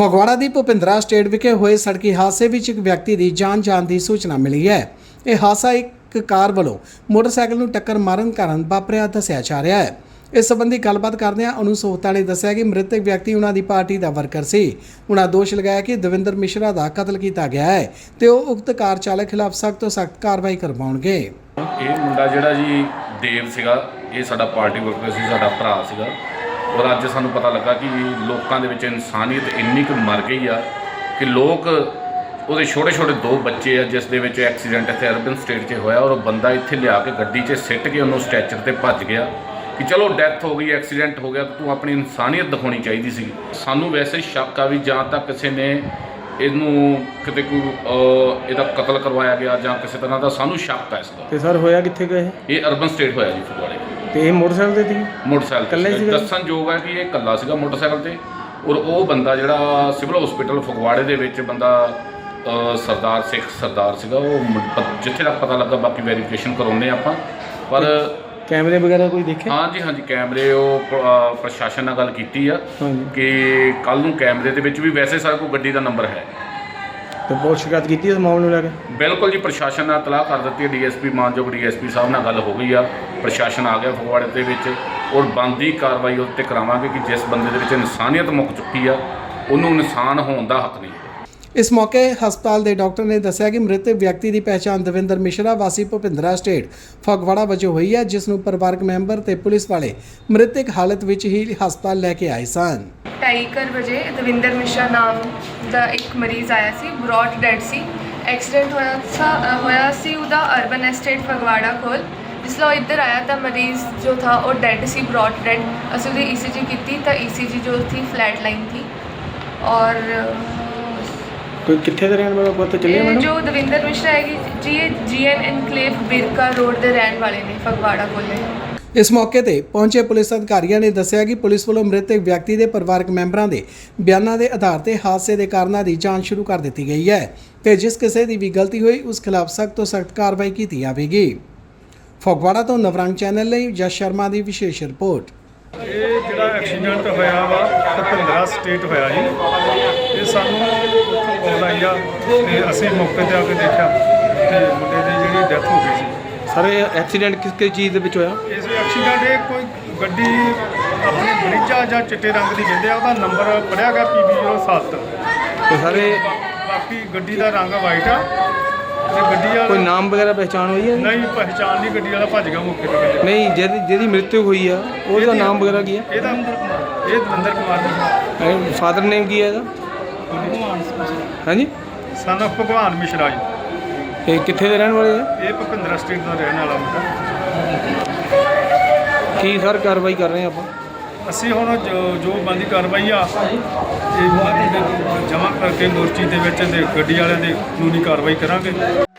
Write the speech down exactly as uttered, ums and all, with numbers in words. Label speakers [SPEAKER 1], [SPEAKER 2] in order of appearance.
[SPEAKER 1] ਫਗਵਾੜਾ ਦੀ Bhupindra state ਵਿਖੇ ਹੋਏ ਸੜਕੀ ਹਾਦਸੇ ਵਿੱਚ ਇੱਕ ਵਿਅਕਤੀ ਦੀ ਜਾਨ ਜਾਣ ਦੀ ਸੂਚਨਾ ਮਿਲੀ ਹੈ। ਇਹ ਹਾਦਸਾ ਇੱਕ ਕਾਰ ਵੱਲੋਂ ਮੋਟਰਸਾਈਕਲ ਨੂੰ ਟੱਕਰ ਮਾਰਨ ਕਾਰਨ ਵਾਪਰਿਆ ਦੱਸਿਆ ਜਾ ਰਿਹਾ ਹੈ। ਇਸ ਸੰਬੰਧੀ ਗੱਲਬਾਤ ਕਰਦਿਆਂ ਅਨੂ ਸੋਹਤਾ ਨੇ ਦੱਸਿਆ ਕਿ ਮ੍ਰਿਤਕ ਵਿਅਕਤੀ ਉਹਨਾਂ ਦੀ ਪਾਰਟੀ ਦਾ ਵਰਕਰ ਸੀ। ਉਹਨਾਂ ਦੋਸ਼ ਲਗਾਇਆ ਕਿ ਦਵਿੰਦਰ ਮਿਸ਼ਰਾ ਦਾ ਕਤਲ ਕੀਤਾ ਗਿਆ ਹੈ ਤੇ ਉਹ ਉਕਤ ਕਾਰ ਚਾਲਕ ਖਿਲਾਫ ਸਖਤ ਤੋਂ ਸਖਤ ਕਾਰਵਾਈ ਕਰਵਾਉਣਗੇ।
[SPEAKER 2] ਇਹ ਮੁੰਡਾ ਜਿਹੜਾ ਜੀ ਦੇਵ ਸੀਗਾ, ਇਹ ਸਾਡਾ ਪਾਰਟੀ ਵਰਕਰ ਸੀ, ਸਾਡਾ ਭਰਾ ਸੀਗਾ। ਔਰ ਅੱਜ ਸਾਨੂੰ ਪਤਾ ਲੱਗਾ ਕਿ ਲੋਕਾਂ ਦੇ ਵਿੱਚ ਇਨਸਾਨੀਅਤ ਇੰਨੀ ਕੁ ਮਰ ਗਈ ਆ ਕਿ ਲੋਕ ਉਹਦੇ ਛੋਟੇ ਛੋਟੇ ਦੋ ਬੱਚੇ ਆ ਜਿਸ ਦੇ ਵਿੱਚ ਐਕਸੀਡੈਂਟ ਇੱਥੇ ਅਰਬਨ ਸਟੇਟ 'ਚ ਹੋਇਆ ਔਰ ਉਹ ਬੰਦਾ ਇੱਥੇ ਲਿਆ ਕੇ ਗੱਡੀ 'ਚ ਸਿੱਟ ਕੇ ਉਹਨੂੰ ਸਟ੍ਰੈਚਰ 'ਤੇ ਭੱਜ ਗਿਆ ਕਿ ਚਲੋ ਡੈਥ ਹੋ ਗਈ, ਐਕਸੀਡੈਂਟ ਹੋ ਗਿਆ, ਤੂੰ ਆਪਣੀ ਇਨਸਾਨੀਅਤ ਦਿਖਾਉਣੀ ਚਾਹੀਦੀ ਸੀ। ਸਾਨੂੰ ਵੈਸੇ ਸ਼ੱਕ ਆ ਵੀ ਜਾਂ ਤਾਂ ਕਿਸੇ ਨੇ ਇਹਨੂੰ ਕਿਤੇ ਕੋਈ ਇਹਦਾ ਕਤਲ ਕਰਵਾਇਆ ਗਿਆ ਜਾਂ ਕਿਸੇ ਤਰ੍ਹਾਂ ਦਾ ਸਾਨੂੰ ਸ਼ੱਕ ਹੈ ਇਸ ਦਾ।
[SPEAKER 3] ਤੇ ਸਰ ਹੋਇਆ ਕਿੱਥੇ ਗਏ?
[SPEAKER 2] ਇਹ ਅਰਬਨ ਸਟੇਟ ਹੋਇਆ ਜੀ ਫਗਵਾੜੇ।
[SPEAKER 3] ਤੇ ਇਹ ਮੋਟਰਸਾਈਕਲ ਤੇ ਸੀ?
[SPEAKER 2] ਮੋਟਰਸਾਈਕਲ
[SPEAKER 3] ਇਕੱਲੇ ਸੀ?
[SPEAKER 2] ਦੱਸਣਯੋਗ ਹੈ ਕਿ ਇਹ ਇਕੱਲਾ ਸੀਗਾ ਮੋਟਰਸਾਈਕਲ ਤੇ ਔਰ ਉਹ ਬੰਦਾ ਜਿਹੜਾ ਸਿਵਲ ਹਸਪੀਟਲ ਫਗਵਾੜੇ ਦੇ ਵਿੱਚ ਬੰਦਾ ਸਰਦਾਰ ਸਿੱਖ ਸਰਦਾਰ ਸੀਗਾ, ਉਹ ਜਿੱਥੇ ਤੱਕ ਪਤਾ ਲੱਗਾ, ਬਾਕੀ ਵੈਰੀਫਿਕੇਸ਼ਨ ਕਰਾਉਂਦੇ ਆਪਾਂ। ਪਰ
[SPEAKER 3] ਕੈਮਰੇ ਵਗੈਰਾ ਕੋਈ ਦੇਖਿਆ?
[SPEAKER 2] ਹਾਂਜੀ ਹਾਂਜੀ ਕੈਮਰੇ ਉਹ ਪ੍ਰਸ਼ਾਸਨ ਨਾਲ ਗੱਲ ਕੀਤੀ ਆ ਕਿ ਕੱਲ ਨੂੰ ਕੈਮਰੇ ਦੇ ਵਿੱਚ ਵੀ ਵੈਸੇ ਸਾਡੇ ਕੋਲ ਗੱਡੀ ਦਾ ਨੰਬਰ ਹੈ।
[SPEAKER 3] ਤੇ ਬਹੁਤ ਸ਼ਿਕਾਇਤ ਕੀਤੀ ਇਸ ਮਾਮਲੇ ਨੂੰ ਲੈ ਕੇ?
[SPEAKER 2] ਬਿਲਕੁਲ ਜੀ, ਪ੍ਰਸ਼ਾਸਨ ਨਾਲ ਇਤਲਾਹ ਕਰ ਦਿੱਤੀ ਹੈ। ਡੀਐਸਪੀ ਮਾਨਯੋਗ ਡੀਐਸਪੀ ਸਾਹਿਬ ਨਾਲ ਗੱਲ ਹੋ ਗਈ ਆ, ਪ੍ਰਸ਼ਾਸਨ ਆ ਗਿਆ ਫਗਵਾੜੇ ਦੇ ਵਿੱਚ ਔਰ ਬਣਦੀ ਕਾਰਵਾਈ ਉਸ 'ਤੇ ਕਰਾਵਾਂਗੇ ਕਿ ਜਿਸ ਬੰਦੇ ਦੇ ਵਿੱਚ ਇਨਸਾਨੀਅਤ ਮੁੱਕ ਚੁੱਕੀ ਆ ਉਹਨੂੰ ਇਨਸਾਨ ਹੋਣ ਦਾ ਹੱਕ ਨਹੀਂ।
[SPEAKER 1] ਇਸ ਮੌਕੇ ਹਸਪਤਾਲ ਦੇ ਡਾਕਟਰ ਨੇ ਦੱਸਿਆ ਕਿ ਮ੍ਰਿਤਕ ਵਿਅਕਤੀ ਦੀ ਪਹਿਚਾਣ ਦਵਿੰਦਰ ਮਿਸ਼ਰਾ ਵਾਸੀ ਭੁਪਿੰਦਰਾ ਸਟੇਟ ਫਗਵਾੜਾ ਵਜੋਂ ਹੋਈ ਹੈ, ਜਿਸ ਨੂੰ ਪਰਿਵਾਰਕ ਮੈਂਬਰ ਤੇ ਪੁਲਿਸ ਵਾਲੇ ਮ੍ਰਿਤਕ ਹਾਲਤ ਵਿੱਚ ਹੀ ਹਸਪਤਾਲ ਲੈ ਕੇ ਆਏ ਸਨ।
[SPEAKER 4] ਢਾਈ ਕੁ ਵਜੇ ਦਵਿੰਦਰ ਮਿਸ਼ਰਾ ਨਾਮ ਦਾ ਇੱਕ ਮਰੀਜ਼ ਆਇਆ ਸੀ, ਬ੍ਰੌਡ ਡੈਡ ਸੀ। ਐਕਸੀਡੈਂਟ ਹੋਇਆ ਸਾ ਹੋਇਆ ਸੀ ਉਹਦਾ ਅਰਬਨ ਐਸਟੇਟ ਫਗਵਾੜਾ ਕੋਲ। ਜਿਸ ਲਈ ਇੱਧਰ ਆਇਆ ਤਾਂ ਮਰੀਜ਼ ਜੋ ਥਾ ਉਹ ਡੈਡ ਸੀ, ਬ੍ਰੌਡ ਡੈਡ। ਅਸੀਂ ਉਹਦੀ ਈਸੀਜੀ ਕੀਤੀ ਤਾਂ ਈਸੀਜੀ ਜੋ ਥੀ ਫਲੈਟ ਲਾइन थी। और
[SPEAKER 3] ਕੋਈ ਕਿੱਥੇ ਦੇ ਰਹਿਣ ਵਾਲਾ ਪਤਾ ਚੱਲਿਆ ਮੈਨੂੰ?
[SPEAKER 4] ਜੋ ਦਵਿੰਦਰ ਮਿਸ਼ਰਾ ਹੈਗੀ ਜੀ, ਇਹ ਜੀਐਨ ਇਨਕਲੇਵ ਬਿਰਕਾ ਰੋਡ ਦੇ ਰਹਿਣ ਵਾਲੇ ਨੇ, ਫਗਵਾੜਾ ਕੋਲੇ।
[SPEAKER 1] ਇਸ ਮੌਕੇ ਤੇ ਪਹੁੰਚੇ ਪੁਲਿਸ ਅਧਿਕਾਰੀਆਂ ਨੇ ਦੱਸਿਆ ਕਿ ਪੁਲਿਸ ਵੱਲੋਂ ਮ੍ਰਿਤਕ ਵਿਅਕਤੀ ਦੇ ਪਰਿਵਾਰਕ ਮੈਂਬਰਾਂ ਦੇ ਬਿਆਨਾਂ ਦੇ ਆਧਾਰ ਤੇ ਹਾਦਸੇ ਦੇ ਕਾਰਨਾਂ ਦੀ ਜਾਂਚ ਸ਼ੁਰੂ ਕਰ ਦਿੱਤੀ ਗਈ ਹੈ ਤੇ ਜਿਸ ਕਿਸੇ ਦੀ ਵੀ ਗਲਤੀ ਹੋਈ ਉਸ ਖਿਲਾਫ ਸਖਤ ਤੋਂ ਸਖਤ ਕਾਰਵਾਈ ਕੀਤੀ ਜਾਵੇਗੀ। ਫਗਵਾੜਾ ਤੋਂ ਨਵਰੰਗ ਚੈਨਲ ਲਈ ਜਸ ਸ਼ਰਮਾ ਦੀ ਵਿਸ਼ੇਸ਼ ਰਿਪੋਰਟ।
[SPEAKER 5] ਇਹ ਜਿਹੜਾ ਐਕਸੀਡੈਂਟ ਹੋਇਆ ਵਾ ਭੁਪਿੰਦਰਾ ਸਟੇਟ ਹੋਇਆ ਜੀ। ਇਹ ਸਾਨੂੰ ਕਾਲ ਆਈ ਆ ਤੇ ਅਸੀਂ ਮੌਕੇ 'ਤੇ ਆ ਕੇ ਦੇਖਿਆ ਤੇ ਮੁੰਡੇ ਦੀ ਜਿਹੜੀ ਡੈਥ ਹੋ ਗਈ ਸੀ।
[SPEAKER 3] ਸਰ ਇਹ ਐਕਸੀਡੈਂਟ ਕਿਸ ਕਿਸ ਚੀਜ਼ ਦੇ ਵਿੱਚ ਹੋਇਆ?
[SPEAKER 5] ਇਸ ਐਕਸੀਡੈਂਟ ਇਹ ਕੋਈ ਗੱਡੀ ਆਪਣੀ ਬ੍ਰਿਜਾ ਜਾਂ ਚਿੱਟੇ ਰੰਗ ਦੀ ਕਹਿੰਦੇ ਆ, ਉਹਦਾ ਨੰਬਰ ਪੜਿਆ ਗਿਆ ਪੀ ਬੀ ਜ਼ੀਰੋ ਸੱਤ
[SPEAKER 3] ਤੇ ਸਾਰੇ
[SPEAKER 5] ਬਾਕੀ ਗੱਡੀ ਦਾ ਰੰਗ ਵਾਈਟ ਆ ਤੇ ਗੱਡੀ ਵਾਲਾ
[SPEAKER 3] ਕੋਈ ਨਾਮ ਵਗੈਰਾ ਪਹਿਚਾਣ ਹੋਈ ਹੈ?
[SPEAKER 5] ਨਹੀਂ ਪਹਿਚਾਣ ਨਹੀਂ, ਗੱਡੀ ਵਾਲਾ ਭੱਜ ਗਿਆ ਮੌਕੇ 'ਤੇ।
[SPEAKER 3] ਨਹੀਂ, ਜਿਹਦੀ ਜਿਹਦੀ ਮ੍ਰਿਤੂ ਹੋਈ ਆ ਉਹਦਾ ਨਾਮ ਵਗੈਰਾ ਕੀ ਹੈ?
[SPEAKER 5] ਇਹਦਾ ਇਹ ਦਵਿੰਦਰ ਕੁਮਾਰ ਜੀ।
[SPEAKER 3] ਫਾਦਰ ਨੇਮ ਕੀ ਹੈ ਇਹਦਾ? ਹਾਂਜੀ,
[SPEAKER 5] ਸਨ ਆਫ ਭਗਵਾਨ ਮਿਸ਼ਰਾ ਜੀ।
[SPEAKER 3] ਇਹ ਕਿੱਥੇ ਦੇ ਰਹਿਣ ਵਾਲੇ ਆ?
[SPEAKER 5] ਇਹ ਭੁਪਿੰਦਰਾ ਸਟੇਟ ਦਾ ਰਹਿਣ ਵਾਲਾ ਮੁੰਡਾ।
[SPEAKER 3] ਕੀ ਸਰ ਕਾਰਵਾਈ ਕਰ ਰਹੇ ਆਪਾਂ?
[SPEAKER 5] ਅਸੀਂ ਹੁਣ ਜੋ ਜੋ ਬਣਦੀ ਕਾਰਵਾਈ ਆ ਇਹ ਜਮ੍ਹਾਂ ਕਰਕੇ ਮੋਰਚੀ ਦੇ ਵਿੱਚ ਤੇ ਗੱਡੀ ਵਾਲਿਆਂ ਦੇ ਕਾਨੂੰਨੀ ਕਾਰਵਾਈ ਕਰਾਂਗੇ।